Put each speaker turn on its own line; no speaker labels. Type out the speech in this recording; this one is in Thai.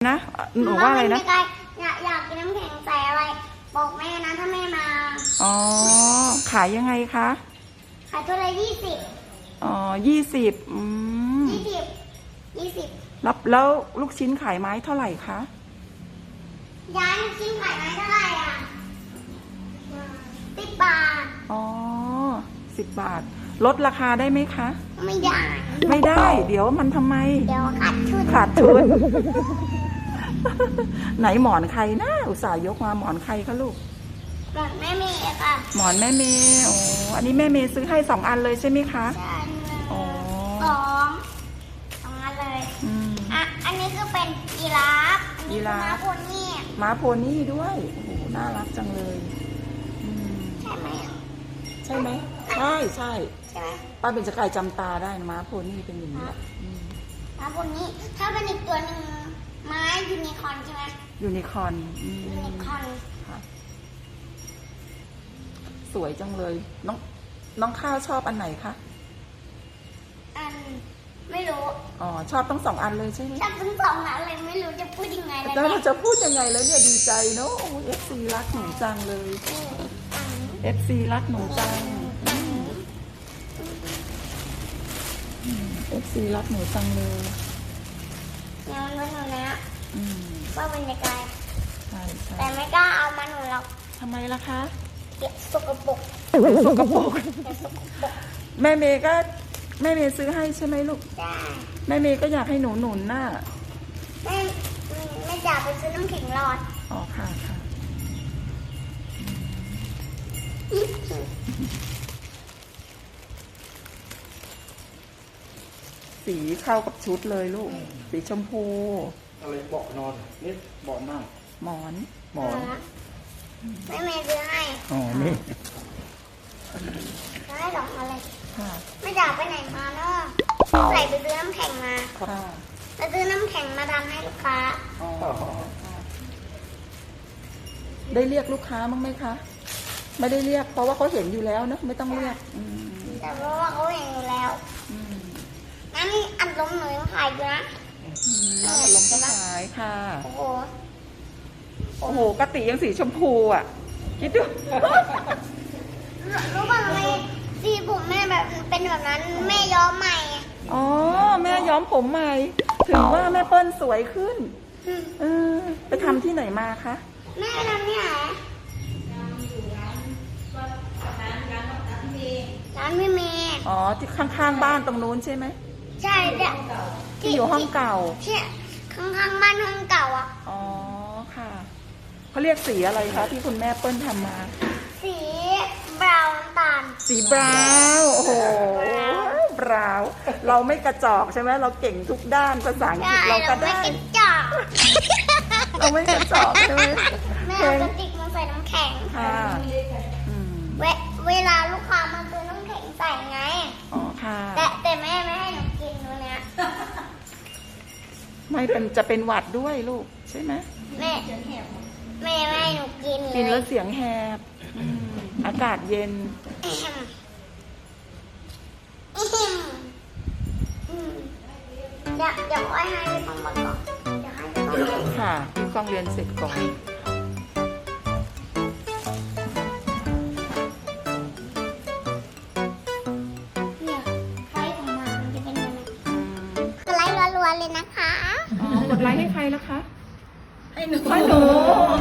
นะหนูว่าอะไรนะ
อยากกินน้ำแข็งใส่อะไรบอกแม่นะถ้าแม่มา
อ๋อขายยังไงคะ
ขายตัวละ20
อ๋อ20
20
แล้วลูกชิ้นขายไม้เท่าไหร่คะ
ย้ายลูกชิ้นขายไม้เท่าไหร่อ่ะ10 บาท
อ๋อ10 บาทลดราคาได้ไหมคะ
ไม่ได้
เดี๋ยวมันทำไม
เดี๋ยว
ขาดทุน ไหนหมอนใครนะอุตส่าห์ยกมาหมอนใครคะลูก
หมอนแม่เมย์ค่ะ
หมอนแม่เมย์โอ้อันนี้แม่เมย์ซื้อให้2 อันเลยใช่ไหมคะ
ใช่
อ๋อ
สองอันเลยอันนี้คือเป็นยีราฟอันนี้ม้าโพนี่
ด้วยโอ้โหน่ารักจังเลย
ใช่ไหม
ใช่ไหมใช่ป้าเป็นจะกายจำตาได้ม้าโพนี่เป็นอย่างนี้แหละ
ม้าโพนี่ถ้าเป็นอีกตัวหนึ่งม้ายูนิคอร์นใช่ไหม
ยูนิคอร์น
ค่ะ
สวยจังเลยน้องข้าวชอบอันไหนคะ
ไม่รู้
อ๋อชอบทั้ง2 อันเลยใช่ไหม
ชอบทั้ง2 อันเลยไม่รู้จะพูดยังไง
แล้วเราจะพูดยังไงแล้วเนี่ยดีใจเนาะFC รักหนูจังเลย FC รักหนูจังFC รักหนูจังเลย
งานวันหนูนะว่าเป็นยังไง
ใช่
แต่ไม่กล้าเอามาหนูหรอก
ทำไมล่ะคะ
สกปรก
แม่เมย์ซื้อให้ใช่ไหมลูกแม่เมย์ก็อยากให้หนูหนุนน่ะ
ไม่อยากไปซื้อน้ำแข็งหลอด
อ๋อค่ะสีเข้ากับชุดเลยลูกสีชมพู
อะไรเบาะนอนนี่เบาะนั่ง
หมอน
แม่เมย์ซื้อให้
อ๋อนี่
ให้2 อันเลย
ค่ะ
ไม่อยากไปไหนมาเนาะใส่ไปซื้อน้ำแข็งมา
ค่ะ
ไปซื้อน้ำแข็งมาทำให้ลูกค้า
ได้เรียกลูกค้าบ้างไหมคะไม่ได้เรียกเพราะว่าเขาเห็นอยู่แล้วเนอะไม่ต้องเรียก
แต่เพราะว่าเขาเห็นอยู่แล้วงั้นอัดลมหนูยังขายอยู่นะ
อัดลมก็ขายค่ะ
โ
อ้โหกะติยังสีชมพูอ่ะคิดดู
รู้ป่ะทำไมสีผมแม่แบบเป็นแบบนั้นแม่ย้อมใหม่
อ๋อแม่ย้อมผมใหม่ถึงว่าแม่เปิ้ลสวยขึ้นไปทำที่ไหนมาคะ
แม่ไปทำที่ไหนร้านพี่เมย์
อ๋อที่ข้างๆบ้านตรงนู้นใช่ไหม
ใช่เนี่ย
ที่อยู่ห้องเก่า
ที่ข้างๆบ้านห้องเก่าอ่ะ
อ๋อค่ะเขาเรียกสีอะไรคะที่คุณแม่เปิ้ลทำมา
สีบราวน์น้ำตาล
สีบราวน์โอ้โหบราวน์เราไม่กระจอกใช่ไหมเราเก่งทุกด้านภาษาอังกฤษเราก็ได้เราไม่กระจอกใช่ไหม
แม่เอากระติกมาใส่น้ำแข็ง
ค่ะ
เวลาลูกค้ามาซื้อน้ำแข็งใส่ไง
อ๋อค่ะ
แต่แม่ไม่ให้หนูกินตัวเนี้ย
ไม่เป็นจะเป็นหวัดด้วยลูกใช่ไหม
แม่ไม่ให้หนูกิน
แล้วเสียงแหบอากาศเย็น
เดี๋ยวให้ฟังมาก่อน
ค่ะพี่ฟังเรียนเสร็จก่อน
รัวๆเลยนะคะ
กดไลค์ให้ใครล่ะคะ
ให้หนู